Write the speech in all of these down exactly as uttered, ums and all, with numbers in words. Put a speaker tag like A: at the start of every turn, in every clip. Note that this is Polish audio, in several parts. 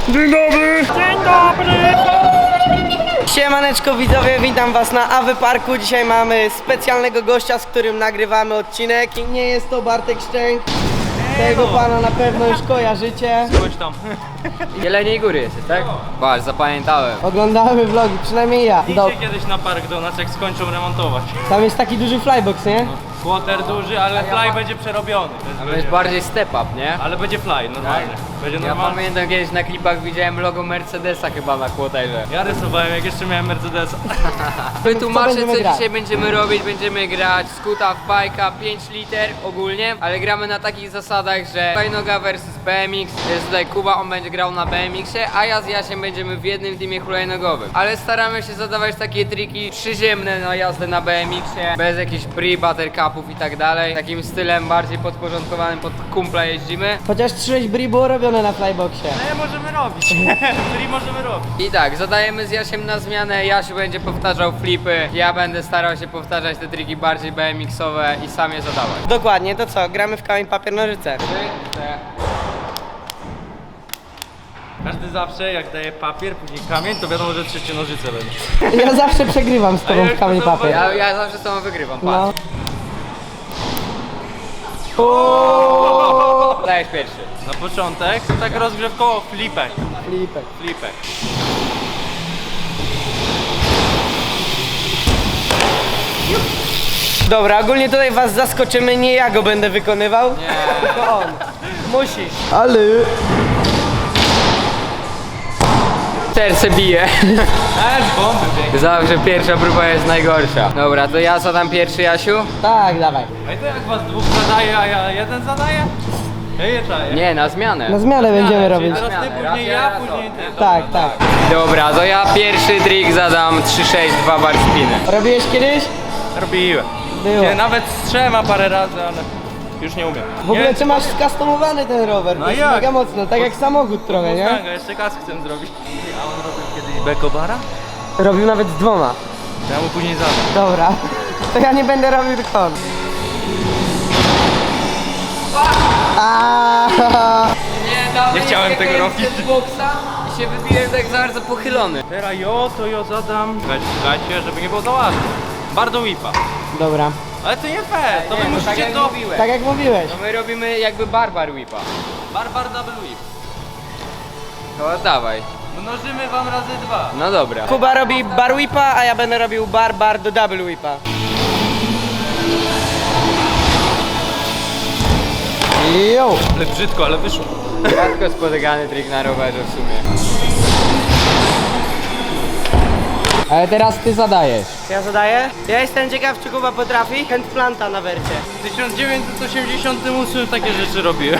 A: Dzień dobry! Dzień dobry! Siemaneczko widzowie, witam was na A W Parku. Dzisiaj mamy specjalnego gościa, z którym nagrywamy odcinek. I nie jest to Bartek Szczęk. Tego pana na pewno już kojarzycie.
B: Chodź tam.
C: Jeleniej Góry jesteś, tak? Patrz, zapamiętałem.
A: Oglądamy vlogi, przynajmniej ja. Do...
B: Idźcie kiedyś na park do nas, jak skończą remontować.
A: Tam jest taki duży flybox, nie?
B: Quarter duży, ale fly będzie przerobiony. To jest
C: To jest
B: będzie.
C: bardziej step up, nie?
B: Ale będzie fly, normalnie. Będzie
C: Ja
B: normalnie.
C: pamiętam kiedyś na klipach widziałem logo Mercedesa chyba na quarterze.
B: Ja rysowałem, jak jeszcze miałem Mercedesa.
C: Wytłumaczę,
A: będziemy
C: co
A: grać?
C: dzisiaj będziemy robić. Będziemy grać skuta w bajka pięć liter ogólnie, ale gramy na takich zasadach, że hulajnoga versus B M X. Jest tutaj Kuba, on będzie grał na B M X-ie, a ja z Jasiem będziemy w jednym teamie hulajnogowym. Ale staramy się zadawać takie triki przyziemne na jazdę na B M X-ie, bez jakichś pre, buttercupów i tak dalej. Takim stylem bardziej podporządkowanym, pod kumpla jeździmy.
A: Chociaż sześć bri było robione na flyboxie.
B: No możemy robić. Czyli możemy robić.
C: I tak, zadajemy z Jasiem na zmianę, Jasiu będzie powtarzał flipy, ja będę starał się powtarzać te triki bardziej B M X-owe i sam je zadawać.
A: Dokładnie, to co? Gramy w kamień, papier, nożyce.
B: Każdy zawsze, jak daje papier, później kamień, to wiadomo, że trzecie nożyce będzie.
A: Ja zawsze przegrywam z
B: A
A: tobą
B: ja
A: w
B: już
A: kamień,
B: to
A: papier.
C: Ja, ja zawsze z tobą wygrywam,
A: No.
C: patrz. Dajesz pierwszy.
B: Na początek, tak rozgrzewkowo, flipek.
A: Flipek.
B: Flipek.
A: Dobra, ogólnie tutaj was zaskoczymy, nie ja go będę wykonywał.
C: Nie.
A: Tylko on. Musisz. Ale...
C: Serce bije.
B: Aż bomby biegnie.
C: Zawsze pierwsza próba jest najgorsza. Dobra, to ja zadam pierwszy, Jasiu?
A: Tak, dawaj.
B: A i to jak was dwóch zadaje, a ja jeden zadaję? Ja je czaję.
C: Nie, na zmianę.
A: Na zmianę będziemy
B: Czyli
A: robić.
B: teraz ty,
C: Zmianę. Raz
B: później
C: ja,
B: ja,
C: raz
B: później
C: on.
B: ty.
A: Tak, tak.
C: Dobra, to ja pierwszy trik zadam trzy sześć dwa bar spiny.
A: Robiłeś kiedyś?
B: Robiłem.
A: Było.
B: Nie, nawet z trzema parę razy, ale już nie umiem.
A: W ogóle
B: nie,
A: ty masz skustomowany ten rower,
B: No
A: to jest
B: jak?
A: mega mocno, tak jak samochód trochę, nie?
B: Mustanga, jeszcze kask chcę zrobić. A on robił kiedyś bekobara?
A: Robił nawet z dwoma.
B: Ja mu później zadam.
A: Dobra. To ja nie będę robił tylko on. Aaaa.
C: Nie, dawaj,
B: Nie chciałem
C: jak
B: tego
C: ja
B: robić.
C: z boksa i się wybiłem tak za bardzo pochylony.
B: Teraz jo, to jo zadam. Słuchajcie, słuchajcie, żeby nie było za łatwo. Bardzo whipa.
A: Dobra.
B: Ale to nie fair, to
C: Nie,
B: wy
C: no
B: musicie
C: tak jak
B: to...
C: mówiłem.
A: Tak jak mówiłeś.
C: No my robimy jakby barbar whipa.
B: Barbar double whip.
C: No dawaj.
B: Mnożymy wam razy dwa.
C: No dobra.
A: Kuba robi bar whipa, a ja będę robił bar bar do double whipa. Jo.
B: Ale brzydko, ale wyszło.
C: Rzadko spotykany trik na rowerze w sumie. Ale teraz ty zadajesz.
A: Ja zadaję? Ja jestem ciekaw, czy Kuba potrafi handplanta na wercie.
B: W tysiąc dziewięćset osiemdziesiątym ósmym takie rzeczy robiłem.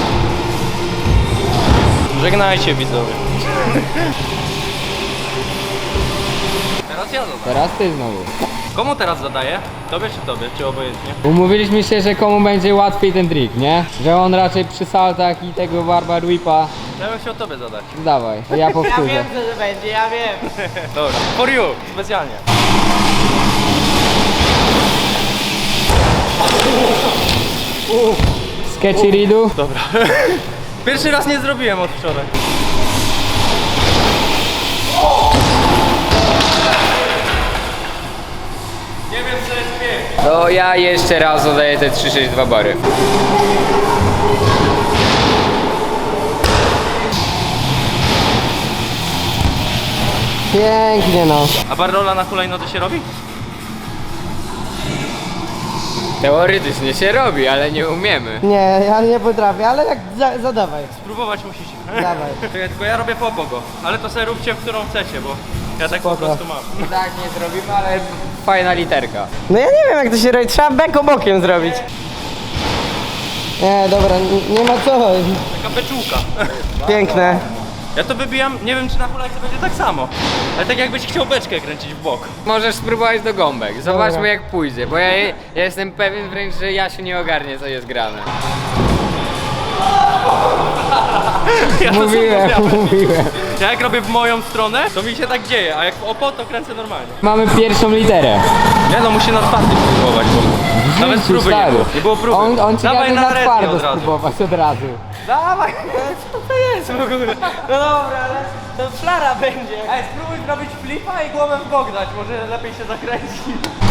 B: Żegnajcie widzowie. Teraz ja zadam.
C: Teraz ty znowu.
B: Komu teraz zadaję? Tobie czy tobie? Czy obojętnie?
C: Umówiliśmy się, że komu będzie łatwiej ten trik, nie? Że on raczej przy saltach i tego barbar whipa.
B: Ja bym chciał tobie zadać.
C: Dawaj, to ja powtórzę.
A: co to będzie, ja wiem.
B: Dobra. For you, specjalnie.
C: Sketchy Ridu.
B: Dobra. Pierwszy raz nie zrobiłem od wczoraj. Nie wiem co jest pięknie.
C: To ja jeszcze raz zadaję te trzy sześć dwa bary.
A: Pięknie no.
B: A barrola na hulajnodze się robi?
C: Teoretycznie się robi, ale nie umiemy.
A: Nie, ja nie potrafię, ale jak za, zadawaj.
B: Spróbować musicie.
A: Dawaj.
B: Czekaj, tylko ja robię po pogo. Ale to sobie róbcie, w którą chcecie, bo ja tak
A: Spoko.
B: po prostu mam.
C: Tak nie zrobimy, ale fajna literka.
A: No ja nie wiem jak to się robi, trzeba beko bokiem zrobić. Nie, dobra, nie, nie ma co.
B: Taka beczułka.
A: Piękne.
B: Ja to wybijam, nie wiem czy na hulajce będzie tak samo. Ale tak jakbyś chciał beczkę kręcić w bok.
C: Możesz spróbować do gąbek. Zobaczmy
A: Dobra.
C: jak pójdzie, bo ja, ja jestem pewien wręcz, że Jasiu nie ogarnie co jest grane.
B: Ja to
C: Mówiłem,
B: sam
C: mówiłem.
B: Ja jak robię w moją stronę, to mi się tak dzieje, a jak w opo, to kręcę normalnie.
C: Mamy pierwszą literę.
B: Nie no, musi na twardym spróbować, bo nawet
C: Życiu,
B: próby nie
C: stary.
B: było. Nie było próby.
C: On, on ci
B: Dawaj
C: każe
B: na
C: na
B: resnie
C: twardo
B: od razu.
C: spróbować od razu.
B: Dawaj!
A: Co to jest w ogóle? No dobra, ale to flara będzie.
B: Ej, spróbuj zrobić flipa i głowę w bok dać, może lepiej się zakręci.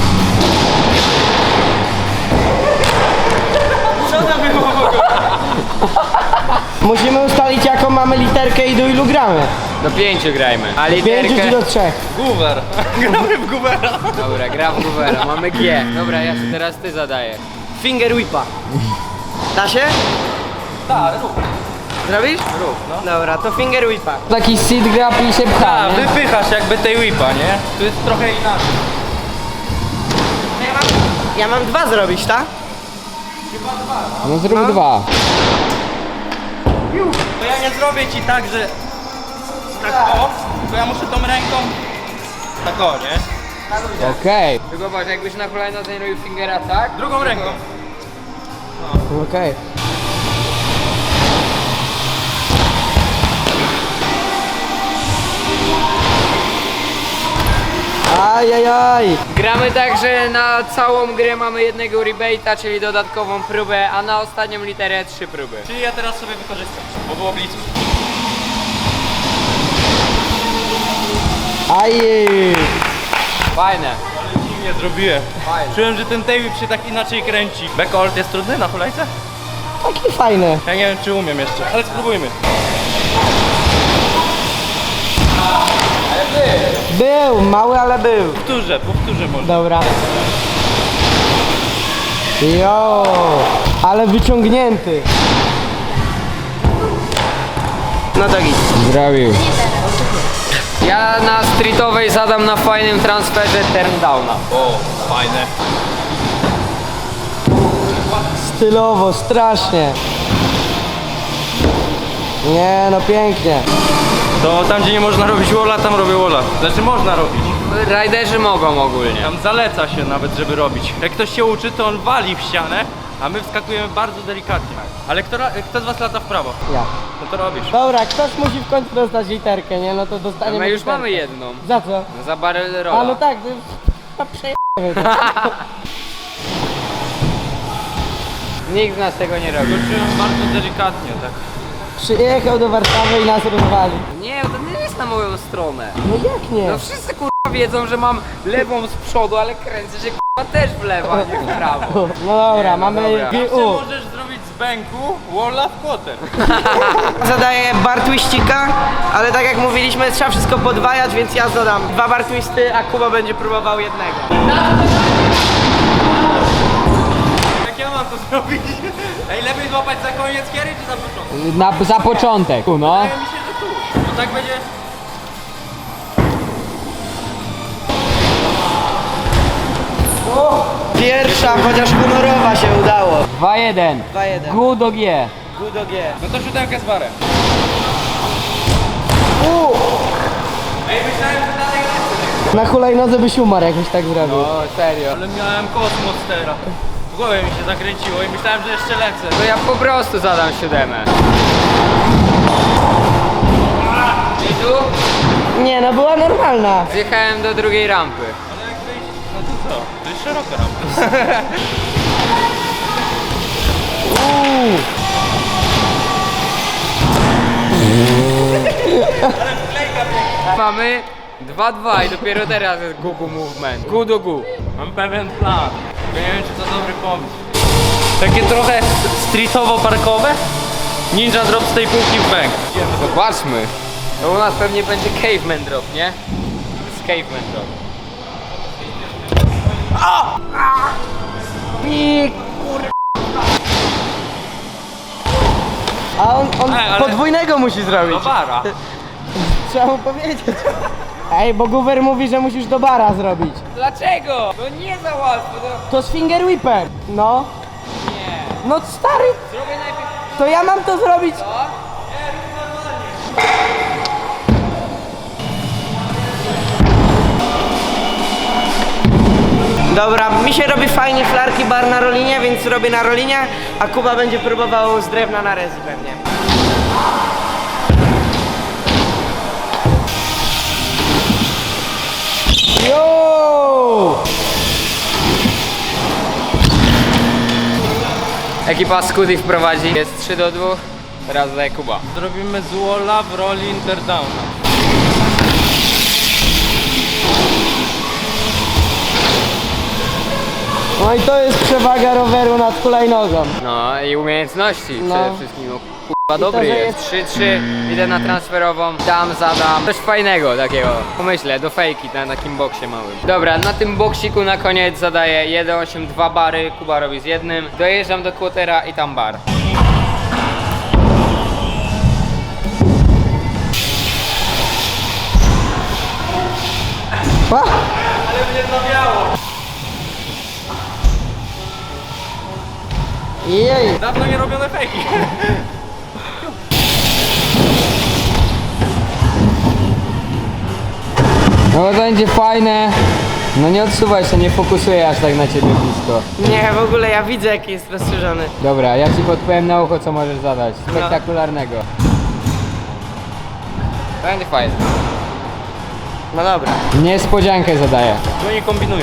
A: Co to było w ogóle? Musimy ustalić jaką mamy literkę i do ilu gramy.
C: Do pięciu grajmy. A
A: Pięciu czy
C: literkę...
A: do trzech?
B: Guwer. Gramy w Guvera.
C: Dobra, gra w Goovera, mamy G. Dobra, ja się teraz ty zadaję.
A: Finger whipa. Da się?
B: Tak, rób.
A: Zrobisz?
B: Rób, no.
A: Dobra, to finger whipa.
C: Taki seed grab i się pcha,
B: A,
C: nie?
B: wypychasz jakby tej whipa, nie? Tu jest trochę inaczej.
A: Ja mam, ja mam dwa zrobić, tak?
C: No zrób dwa.
B: To ja nie zrobię ci tak, że tak o, tylko ja muszę tą ręką tak o, nie?
C: Okej. Tylko patrz, jakbyś na kolejno ten robił fingera tak?
B: Drugą ręką.
A: Okej. Ajajaj.
C: Gramy tak, że na całą grę mamy jednego rebate'a, czyli dodatkową próbę, a na ostatnią literę trzy próby.
B: Czyli ja teraz sobie wykorzystam, bo było blisko.
A: Ajej.
C: Fajne.
B: Ale dziwnie zrobiłem.
C: Fajne.
B: Czułem, że ten tape się tak inaczej kręci. Backhold jest trudny na hulajce?
A: Taki fajny.
B: Ja nie wiem, czy umiem jeszcze, ale spróbujmy.
A: Był, mały, ale był.
B: Powtórzę, powtórzę może.
A: Dobra. Jo, ale wyciągnięty. No to git.
C: Zrobił. Ja na streetowej zadam na fajnym transferze turndowna.
B: O, fajne.
A: Stylowo, strasznie. Nie, no pięknie.
B: To tam, gdzie nie można robić walla, tam robię walla. Znaczy można robić.
C: Riderzy mogą ogólnie.
B: Tam zaleca się nawet, żeby robić. Jak ktoś się uczy, to on wali w ścianę, a my wskakujemy bardzo delikatnie. Ale kto, ra- kto z was lata w prawo?
A: Ja.
B: No to robisz.
A: Dobra, ktoś musi w końcu dostać literkę, nie? No to dostaniemy
C: My już
A: literkę.
C: mamy jedną.
A: Za co?
C: Za barrel
A: A
C: rolla.
A: no tak, to to przejemy to.
C: Nikt z nas tego nie robi.
B: Skoczyłem bardzo delikatnie, tak.
A: Przyjechał do Warszawy i nas rozwali.
C: Nie, to nie jest na moją stronę.
A: No jak nie?
C: No wszyscy kurwa wiedzą, że mam lewą z przodu, ale kręcę się kurwa też w lewo, a nie w prawo.
A: No dobra,
C: no
A: mamy
C: dobra.
A: G
B: Zawsze
A: U.
B: możesz zrobić z bęku walla w kłoter.
A: Zadaję bar twistika, ale tak jak mówiliśmy, trzeba wszystko podwajać, więc ja zadam dwa bar twisty, a Kuba będzie próbował jednego.
B: Jak ja mam to zrobić? Ej, lepiej złapać za koniec kiery czy za początek?
C: Na, za początek, no.
B: Wydaje mi się, że tu. Bo tak będzie...
A: Pierwsza, chociaż honorowa się udało.
C: dwa jeden.
A: dwa jeden.
C: G do G.
A: G do G.
B: No to siódemkę z barem.
A: U,
B: Ej, myślałem, że dalej lecę.
A: na hulajnodze byś umarł, jakbyś tak zrobił.
C: No serio.
B: Ale miałem kosmos teraz. W głowie mi się zakręciło i myślałem, że jeszcze lecę.
C: To ja po prostu zadam siódemę. I tu
A: Nie, no była normalna.
C: zjechałem do drugiej rampy.
B: Ale jak wyjść, no to co? To jest szeroka rampa.
A: Uuu.
C: Mamy dwa dwa i dopiero teraz jest Gugu movement. Gu do Gu.
B: Mam pewien plan. Tylko nie wiem, czy to dobry pomysł. Takie trochę streetowo-parkowe. Ninja drop z tej półki w bęk.
C: Zobaczmy. To u nas pewnie będzie caveman drop, nie? To jest caveman drop.
A: I kur... A on, on
B: Ej, ale-
A: podwójnego musi zrobić.
B: Do bara.
A: Trzeba mu powiedzieć. Ej, bo Guwer mówi, że musisz do bara zrobić.
C: Dlaczego? To nie za łatwo, to...
A: To z finger whipem. No.
C: Nie.
A: No stary,
C: Zrobię najpierw
A: to ja mam to zrobić.
C: to.
A: Dobra, mi się robi fajnie flarki bar na rolinie, więc robię na rolinie, a Kuba będzie próbował z drewna na rezi pewnie.
C: Ekipa Scooty wprowadzi. Jest trzy do dwóch. Teraz daje Kuba.
B: Zrobimy z walla w roli interdowna.
A: No i to jest przewaga roweru nad hulajnogą.
C: No i umiejętności
A: No.
C: przede wszystkim. No, kurwa, dobry
A: to, że
C: jest. trzy trzy, idę na transferową, dam, zadam. Coś fajnego takiego. Pomyślę, do fejki na takim boksie małym. Dobra, na tym boksiku na koniec zadaję jeden osiem dwa bary. Kuba robi z jednym. Dojeżdżam do quartera i tam bar.
A: Pa!
B: Ale mnie zawiało.
A: Jej!
B: Dawno nie robione fejki.
C: No to będzie fajne. No nie odsuwaj się, nie fokusuję aż tak na ciebie blisko.
A: Nie, w ogóle ja widzę jaki jest rozszerzony.
C: Dobra, ja ci podpowiem na ucho, co możesz zadać. Spektakularnego. Będzie fajne.
A: No dobra.
C: Niespodziankę zadaję.
B: No nie kombinują.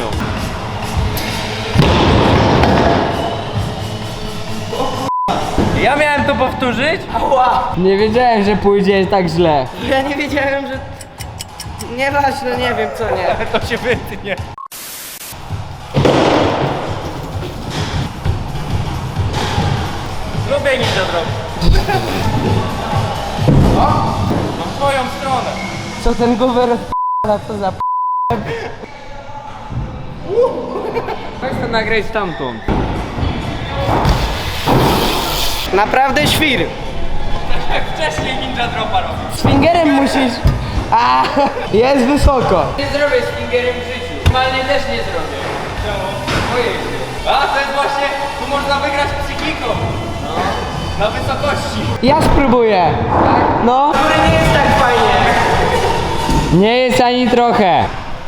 B: Ja miałem to powtórzyć?
A: Ała!
C: Nie wiedziałem, że pójdzie tak źle.
A: Ja nie wiedziałem, że... Nieważne, nie wiem co nie.
B: To się wytnie. Lubię ninja drop. Mam swoją stronę.
A: Co ten gower odp***a, to za p***.
C: Weź to nagraj stamtąd.
A: Naprawdę świr.
B: Jak wcześniej ninja dropa robił.
A: Z fingerem musisz... A, jest wysoko.
C: Nie zrobię z fingerem w życiu. Normalnie też nie zrobię.
B: Czemu?
C: Ojej się.
B: A to jest właśnie, tu można wygrać psychiką. No. Na wysokości.
A: Ja spróbuję. No. Góry nie jest tak fajnie.
C: Nie jest ani trochę.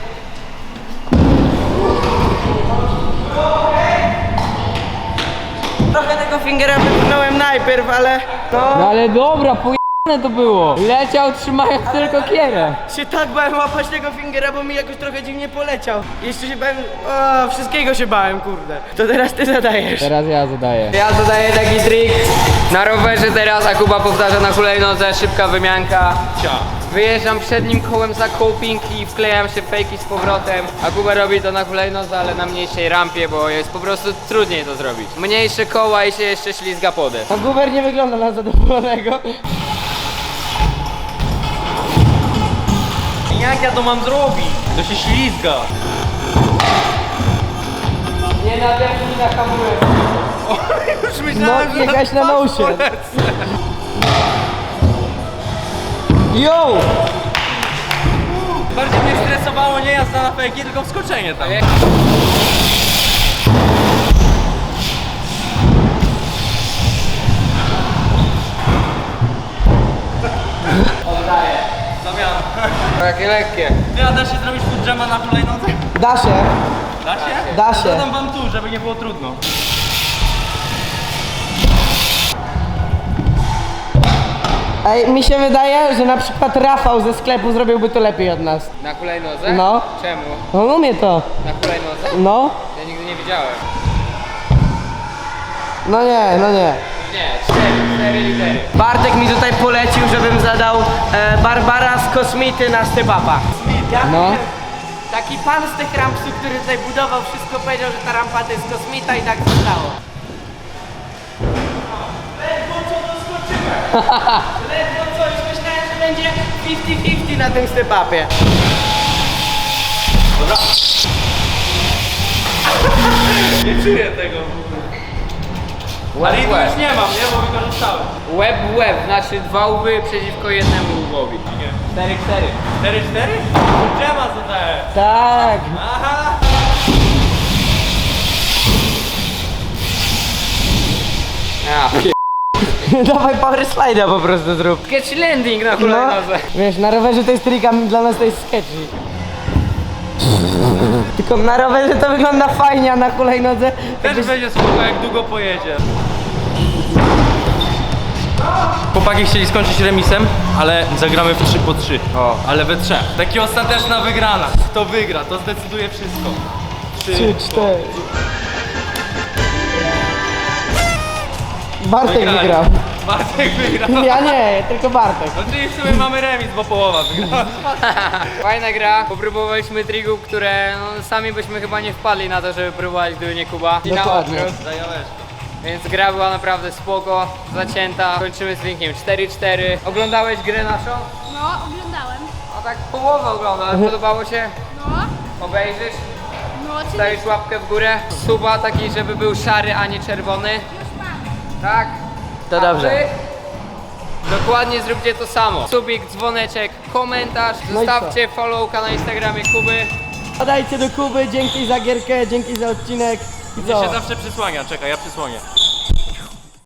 A: Trochę tego fingera wypchnąłem najpierw, ale...
C: No
A: No...
C: ale dobra, pojane to było. Leciał trzymając tylko kierę.
A: Się tak bałem łapać tego fingera, bo mi jakoś trochę dziwnie poleciał. Jeszcze się bałem... O, wszystkiego się bałem, kurde. To teraz ty zadajesz.
C: Teraz ja zadaję. Ja zadaję taki trik. Na rowerze teraz, a Kuba powtarza na hulajnodze, szybka wymianka.
B: Cia.
C: Wyjeżdżam przednim kołem za coping i wklejam się fejki z powrotem. A Kuba robi to na hulajnodze, ale na mniejszej rampie, bo jest po prostu trudniej to zrobić. Mniejsze koła i się jeszcze ślizga podę.
A: A Guber nie wygląda na zadowolonego.
B: Jak ja to mam zrobić? To się ślizga.
C: Nie nadepnij na hamulec.
B: Już myślałem,
A: No,
B: że
A: jechać na
B: twarz
A: nosie.
B: polecę.
A: Yo!
B: Bardziej mnie stresowało nie jazda na fejki, tylko wskoczenie tam.
C: Oddaję.
B: Zamiana.
C: Takie lekkie.
B: Ty, a da się zrobić food jama na hulajnodze?
A: Da się.
B: Da się?
A: Da się.
B: Dodam wam tu, żeby nie było trudno.
A: Ej, mi się wydaje, że na przykład Rafał ze sklepu zrobiłby to lepiej od nas.
C: Na hulajnodze?
A: No.
C: Czemu?
A: On umie to.
C: Na hulajnodze?
A: No.
C: Ja nigdy nie widziałem.
A: No nie, no nie.
C: Nie, cztery, cztery litery.
A: Bartek mi tutaj polecił, żebym zadał e, Barbara z Kosmity na step-upa. Ja
C: No.
A: wiem, taki pan z tych rampsów, który tutaj budował wszystko, powiedział, że ta rampa to jest Kosmita i tak zostało. Ledwo co doskoczyłem. Ledwo co, już myślałem, że będzie pięćdziesiąt pięćdziesiąt na tym step-upie.
B: Nie czuję tego. Ale
C: Łeb
B: i
C: w
B: tu
C: łeb.
B: już nie mam, nie? Bo wykorzystałem.
C: Łeb w łeb, znaczy dwa łby przeciwko jednemu łbowi. cztery cztery.
B: cztery cztery? Food jama zadaję.
A: Tak.
B: Aha.
C: A,
A: Dawaj power slide'a po prostu zrób.
C: sketch landing na
A: No,
C: hulajnodze.
A: wiesz, na rowerze to jest trika, dla nas to jest sketchy. Tylko na rowerze to wygląda fajnie, a na hulajnodze...
B: Też będzie spoko, jak długo pojedzie. Chłopaki chcieli skończyć remisem, ale zagramy w trzy po trzy.
C: O.
B: Ale we trzech. Taki ostateczna wygrana. Kto wygra, to zdecyduje wszystko.
A: Trzy, cztery. Bartek
B: Wygrali.
A: wygrał.
B: Bartek wygrał.
A: Ja nie, tylko Bartek.
B: No czyli w sumie mamy remis, bo połowa wygrała.
C: Fajna gra, popróbowaliśmy trigów, które no, sami byśmy chyba nie wpadli na to, żeby próbować, gdyby nie Kuba. I na
A: Dokładnie.
C: odwrót. Więc gra była naprawdę spoko, zacięta. Kończymy z wynikiem cztery cztery. Oglądałeś grę naszą?
D: No, oglądałem.
C: A tak połowę oglądałem. Podobało się?
D: No,
C: Obejrzysz?
D: no, oczywiście.
C: Dajesz łapkę w górę. Suba taki, żeby był szary, a nie czerwony.
D: Już mam.
C: Tak?
A: To
C: A
A: dobrze.
C: wy? Dokładnie zróbcie to samo. Subik, dzwoneczek, komentarz.
A: No i co?
C: Zostawcie followka na Instagramie Kuby.
A: Podajcie do Kuby, dzięki za gierkę, dzięki za odcinek. I
B: Mnie
A: co?
B: się zawsze przysłania, czekaj, ja przysłonię.